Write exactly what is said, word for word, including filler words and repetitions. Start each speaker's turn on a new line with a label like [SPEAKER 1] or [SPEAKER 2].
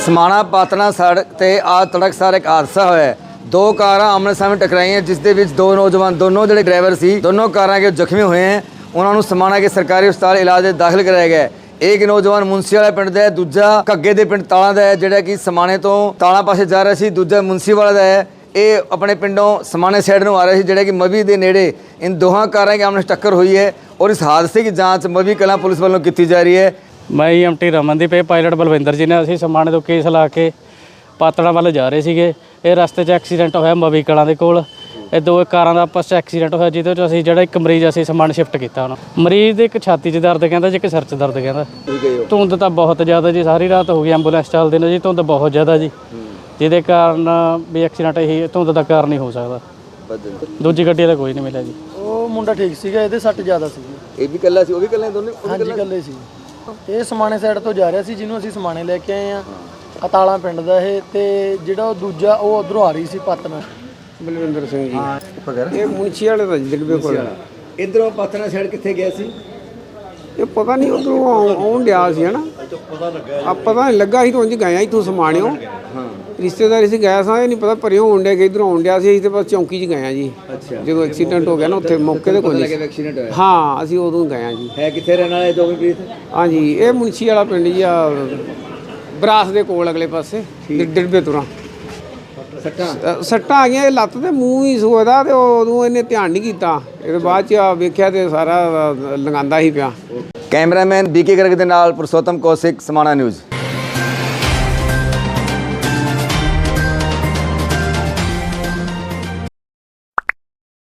[SPEAKER 1] समाणा पातना सड़क ते आज तड़कसार एक हादसा होया। दो कारां आमने सामने टकराईਆਂ जिस ਦੇ ਵਿੱਚ ਦੋ ਨੌਜਵਾਨ ਦੋਨੋਂ ਜਿਹੜੇ ਡਰਾਈਵਰ ਸੀ ਦੋਨੋਂ ਕਾਰਾਂ के ਜ਼ਖਮੀ ਹੋਏ हैं। ਉਹਨਾਂ ਨੂੰ ਸਮਾਣਾ के सरकारी ਹਸਪਤਾਲ ਇਲਾਜ ਦੇ ਦਾਖਲ ਕਰਾਇਆ ਗਿਆ। एक नौजवान मुंसी वाला पिंड ਦਾ है, दूजा ਘੱਗੇ ਦੇ ਪਿੰਡ ਤਾਲਾ ਦਾ है ਜਿਹੜਾ ਕਿ ਸਮਾਣੇ ਤੋਂ ਤਾਲਾ ਪਾਸੇ ਜਾ ਰਿਹਾ ਸੀ, ਦੂਜਾ ਮੁੰਸੀ ਵਾਲਾ ਦਾ है। ਇਹ ਆਪਣੇ ਪਿੰਡੋਂ ਸਮਾਣੇ ਸਾਈਡ ਨੂੰ ਆ ਰਿਹਾ ਸੀ ਜਿਹੜਾ ਕਿ ਮਵੀ ਦੇ ਨੇੜੇ इन ਦੋਹਾਂ ਕਾਰਾਂ के आमने टक्कर हुई है और इस हादसे की जांच मवी कलां पुलिस वालों की जा रही है।
[SPEAKER 2] मैं M T Ramandeep pilot Balvinder ji ने असीं समाणे तो केस ला के पातड़ा वाल जा रहे ਸੀਗੇ। ਇਹ ਰਸਤੇ 'ਚ ਐਕਸੀਡੈਂਟ ਹੋਇਆ ਮਵੀ ਕਲਾਂ ਦੇ ਕੋਲ। ਇਹ ਦੋ ਕਾਰਾਂ ਦਾ ਆਪਸ 'ਚ ਐਕਸੀਡੈਂਟ ਹੋਇਆ ਜਿਹਦੇ 'ਚ ਅਸੀਂ ਜਿਹੜਾ ਇੱਕ ਮਰੀਜ਼ ਅਸੀਂ ਸਮਾਨ ਸ਼ਿਫਟ ਕੀਤਾ ਹੁਣ। ਮਰੀਜ਼ ਦੇ ਇੱਕ ਛਾਤੀ 'ਚ ਦਰਦ ਕਹਿੰਦਾ ਜੀ, ਇੱਕ ਸਿਰ 'ਚ ਦਰਦ ਕਹਿੰਦਾ। ਧੁੰਦ ਤਾਂ ਬਹੁਤ ਜ਼ਿਆਦਾ ਜੀ, ਸਾਰੀ ਰਾਤ ਹੋ ਗਈ ਐਂਬੂਲੈਂਸ ਚੱਲਦੇ ਨੇ ਜੀ, ਧੁੰਦ ਬਹੁਤ ਜ਼ਿਆਦਾ ਜੀ, ਜਿਹਦੇ ਕਾਰਨ ਵੀ ਐਕਸੀਡੈਂਟ ਇਹੀ ਧੁੰਦ ਦਾ ਕਾਰਨ ਹੀ ਹੋ ਸਕਦਾ। ਦੂਜੀ ਗੱਡੀ ਦਾ ਕੋਈ ਨਹੀਂ ਮਿਲਿਆ ਜੀ।
[SPEAKER 3] ਉਹ ਮੁੰਡਾ ਠੀਕ ਸੀਗਾ, ਇਹਦੇ ਸੱਟ ਜ਼ਿਆਦਾ ਸੀ।
[SPEAKER 1] ਇਹ ਵੀ ਇਕੱਲਾ ਸੀ, ਉਹ ਵੀ ਇਕੱਲੇ ਦੋਨੇ?
[SPEAKER 3] ਹਾਂਜੀ ਇਕੱਲੇ ਸੀ। ਇਹ ਸਮਾਣੇ ਸਾਈਡ ਤੋਂ ਜਾ ਰਿਹਾ ਸੀ, ਜਿਹਨੂੰ ਅਸੀਂ ਸਮਾਣੇ ਲੈ ਕੇ ਆਏ ਆ। ਅਤਾਲਾ ਪਿੰਡ ਦਾ ਇਹ, ਤੇ ਜਿਹੜਾ ਉਹ ਦੂਜਾ ਉਹ ਉਧਰੋਂ ਆ ਰਹੀ ਸੀ ਪਾਤਨਾ।
[SPEAKER 4] ਬਲਵਿੰਦਰ ਸਿੰਘ ਜੀ, ਇਹ ਮੁੰਸ਼ੀ ਵਾਲੇ ਦਾ ਜਿਲਬੇ ਕੋਲ।
[SPEAKER 1] ਇਧਰੋਂ ਪਾਤਨਾ ਸਾਈਡ ਕਿੱਥੇ ਗਿਆ ਸੀ?
[SPEAKER 4] ਇਹ ਪਤਾ ਨਹੀਂ ਉਧਰੋਂ ਆਉਣ ਡਿਆ ਸੀ ਹਨਾ, ਆ ਪਤਾ ਨਹੀਂ ਲੱਗਾ ਸੀ। ਤਾਂ ਉਂਝ ਗਏ ਇੱਥੋਂ ਸਮਾਣਿਓ, ਰਿਸ਼ਤੇਦਾਰੀ ਸੀ ਗਿਆ ਸਾਂ, ਇਹ ਨਹੀਂ ਪਤਾ ਪਰਿਓ ਆਉਣ ਡਿਆ ਕਿ ਇੱਧਰੋਂ ਆਉਣ ਡਿਆ ਸੀ। ਅਸੀਂ ਤਾਂ ਬਸ ਚੌਂਕੀ 'ਚ ਗਏ ਆ ਜੀ ਜਦੋਂ ਐਕਸੀਡੈਂਟ ਹੋ ਗਿਆ ਨਾ, ਉੱਥੇ ਮੌਕੇ 'ਤੇ ਕੋਈ
[SPEAKER 1] ਐਕਸੀਡੈਂਟ ਹੋਇਆ।
[SPEAKER 4] ਹਾਂ ਅਸੀਂ ਉਦੋਂ ਗਏ ਆ ਜੀ।
[SPEAKER 1] ਹੈ ਕਿੱਥੇ ਰਹਿਣ ਵਾਲੇ ਦੋਵੇਂ ਪ੍ਰੀਤ?
[SPEAKER 4] ਹਾਂਜੀ ਇਹ ਮੁੰਸ਼ੀ ਵਾਲਾ ਪਿੰਡ ਜੀ, ਆ ਬਰਾਸ ਦੇ ਕੋਲ ਅਗਲੇ ਪਾਸੇ ਡਿੜਬੇ ਤੁਰਾਂ। ਸੱਟਾਂ ਸੱਟਾਂ ਆ ਗਈਆਂ, ਇਹ ਲੱਤ ਤੇ ਮੂੰਹ ਹੀ ਸੋਦਾ, ਤੇ ਉਦੋਂ ਇਹਨੇ ਧਿਆਨ ਨਹੀਂ ਕੀਤਾ। ਇਹਦੇ ਬਾਅਦ 'ਚ ਆ ਵੇਖਿਆ ਤੇ ਸਾਰਾ ਲੰਘਾਉਂਦਾ ਹੀ ਪਿਆ।
[SPEAKER 1] ਕੈਮਰਾਮੈਨ ਬੀਕੇ ਗਰਗ ਦੇ ਨਾਲ ਪੁਰਸ਼ੋਤਮ ਕੌਸ਼ਿਕ, ਸਮਾਣਾ ਨਿਊਜ਼।